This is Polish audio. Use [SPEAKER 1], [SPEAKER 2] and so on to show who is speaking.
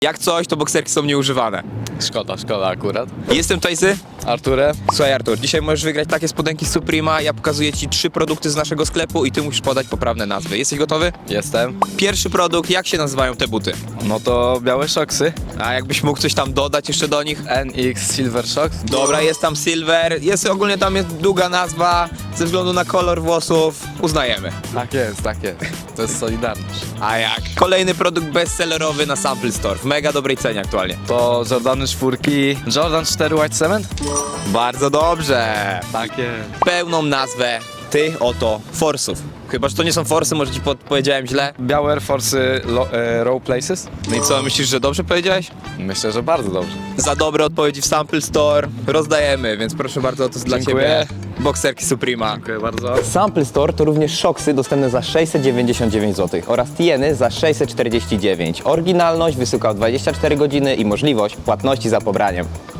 [SPEAKER 1] Jak coś, to bokserki są nieużywane.
[SPEAKER 2] Szkoda akurat.
[SPEAKER 1] Jestem Tajzy.
[SPEAKER 2] Arturę?
[SPEAKER 1] Słuchaj Artur, dzisiaj możesz wygrać takie spodenki z Suprema. Ja pokazuję Ci 3 produkty z naszego sklepu i Ty musisz podać poprawne nazwy. Jesteś gotowy?
[SPEAKER 2] Jestem.
[SPEAKER 1] Pierwszy produkt, jak się nazywają te buty?
[SPEAKER 2] No to białe szoksy.
[SPEAKER 1] A jakbyś mógł coś tam dodać jeszcze do nich?
[SPEAKER 2] NX Silver Shocks.
[SPEAKER 1] Dobra, jest tam Silver, jest ogólnie tam jest długa nazwa, ze względu na kolor włosów, uznajemy.
[SPEAKER 2] Tak jest, tak jest. To jest Solidarność.
[SPEAKER 1] A jak? Kolejny produkt bestsellerowy na Sample Store, w mega dobrej cenie aktualnie.
[SPEAKER 2] To Jordany 4. Jordan 4 White Cement?
[SPEAKER 1] Bardzo dobrze.
[SPEAKER 2] Tak jest.
[SPEAKER 1] Pełną nazwę tych oto Force'ów. Chyba, że to nie są Force'y, może Ci powiedziałem źle.
[SPEAKER 2] Białe Air Force'y Row Places?
[SPEAKER 1] No i co, myślisz, że dobrze powiedziałeś?
[SPEAKER 2] Myślę, że bardzo dobrze.
[SPEAKER 1] Za dobre odpowiedzi w Sample Store rozdajemy, więc proszę bardzo, to jest dla
[SPEAKER 2] Dziękuję.
[SPEAKER 1] Ciebie. Bokserki Suprema.
[SPEAKER 2] Dziękuję bardzo.
[SPEAKER 3] Sample Store to również szoksy dostępne za 699 zł oraz tieny za 649. Oryginalność, wysyłka w 24 godziny i możliwość płatności za pobraniem.